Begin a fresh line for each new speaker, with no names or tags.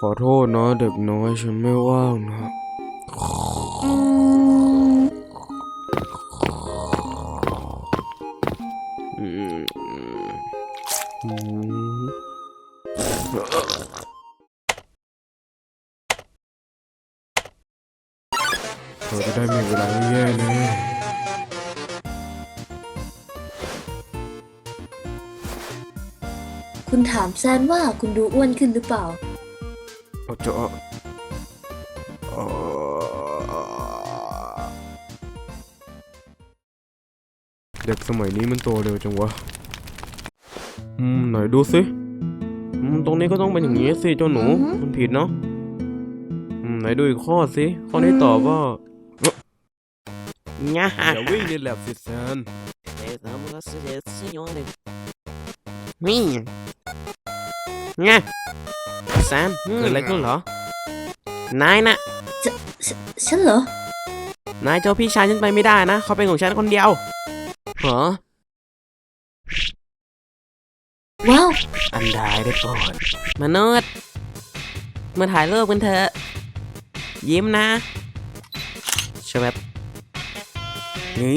ขอโทษนะเด็กน้อยฉันไม่ว่างนะเธอจะได้มีเวลาไม่แย่เลย
คุณถามแซนว่าคุณดูอ้วนขึ้นหรือเปล่า
จะเด็กสมัยนี้มันโตเร็วจังวะไหนดูสิตรงนี้ก็ต้องเป็นอย่างนี้สิเจ้าหนูมันผิดเนาะไหนดูอีกข้อสิข้อนี้ตอบว่าง่าอย่าวิ่งในแลบสิแซนนี่ง่าแซนเกิดอะไรขึ้นเหรอนายนะ
ฉันเหรอ
นายเจ้าพี่ชายฉันไปไม่ได้นะเขาเป็นของฉันคนเดียวเหรอ
ว้าว
อันใดได้โปรดมนุษย์มาถ่ายรูปกันเถอะยิ้มนะใช่ไหมนี่